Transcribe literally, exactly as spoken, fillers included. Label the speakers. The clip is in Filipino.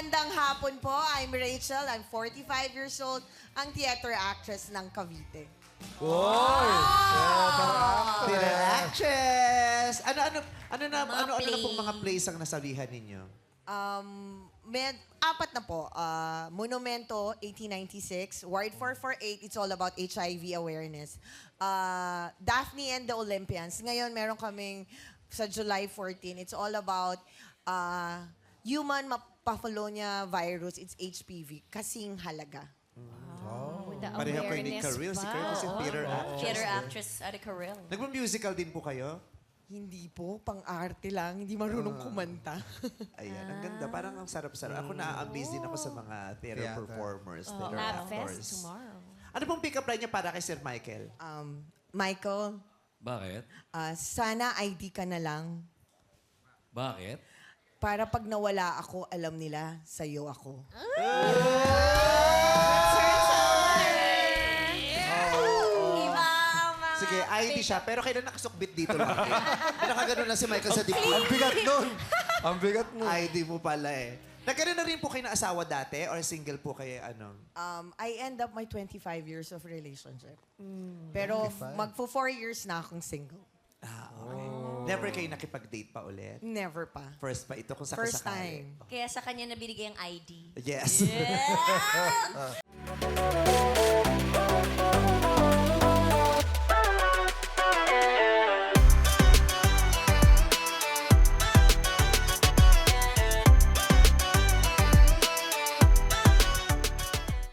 Speaker 1: Magandang hapon po. I'm Rachel. I'm forty-five years old. Ang theater actress ng Cavite.
Speaker 2: Theater actress! Ano, ano, ano na,
Speaker 3: Mga
Speaker 2: ano, ano na
Speaker 3: play.
Speaker 2: pong mga plays ang nasabihan ninyo?
Speaker 1: Um, med, apat na po. Uh, Monumento, eighteen ninety-six. Ward four forty-eight, it's all about H I V awareness. Uh, Daphne and the Olympians. Ngayon, meron kaming sa July fourteenth. It's all about uh, human papilloma virus. It's H P V. Kasing halaga.
Speaker 3: With the
Speaker 2: Pareho kayo ni
Speaker 3: awareness
Speaker 2: Karil. Si
Speaker 3: pa.
Speaker 2: Karil kasi theater actress.
Speaker 3: Theater actress at a Karil.
Speaker 2: Nagpa-musical din po kayo?
Speaker 1: Hindi po, pang-arte lang. Hindi marunong kumanta.
Speaker 2: Ayan, ang ganda. Parang ang sarap-sarap. Ako na-amaze din ako sa mga theater
Speaker 4: Theater.
Speaker 2: performers, theater
Speaker 3: Lab
Speaker 2: actors.
Speaker 3: Fest tomorrow.
Speaker 2: Ano pong pick-up line niya para kay Sir Michael?
Speaker 1: um, Michael,
Speaker 5: Bakit?
Speaker 1: uh, sana I D ka na lang.
Speaker 5: Bakit?
Speaker 1: Para pag nawala ako, alam nila, sa'yo ako.
Speaker 3: Iba ang mga...
Speaker 2: Sige, I D siya, pero kailan nakasukbit dito lang? Nakaganon na si Michael sa
Speaker 4: Ang
Speaker 2: dibdib.
Speaker 4: bigat nun! Ang bigat nun!
Speaker 2: I D mo pala eh. Nagkaroon na rin po kayo ng asawa dati or single po kayo ano?
Speaker 1: Um, I end up my twenty-five years of relationship. Pero magpo four years na akong single.
Speaker 2: Ah, okay. Never kayo nakipag-date pa ulit?
Speaker 1: Never pa.
Speaker 2: First pa ito kung sa
Speaker 1: First time.
Speaker 3: Kaya sa kanya nabinigay ang I D.
Speaker 2: Yes.
Speaker 3: Yeah!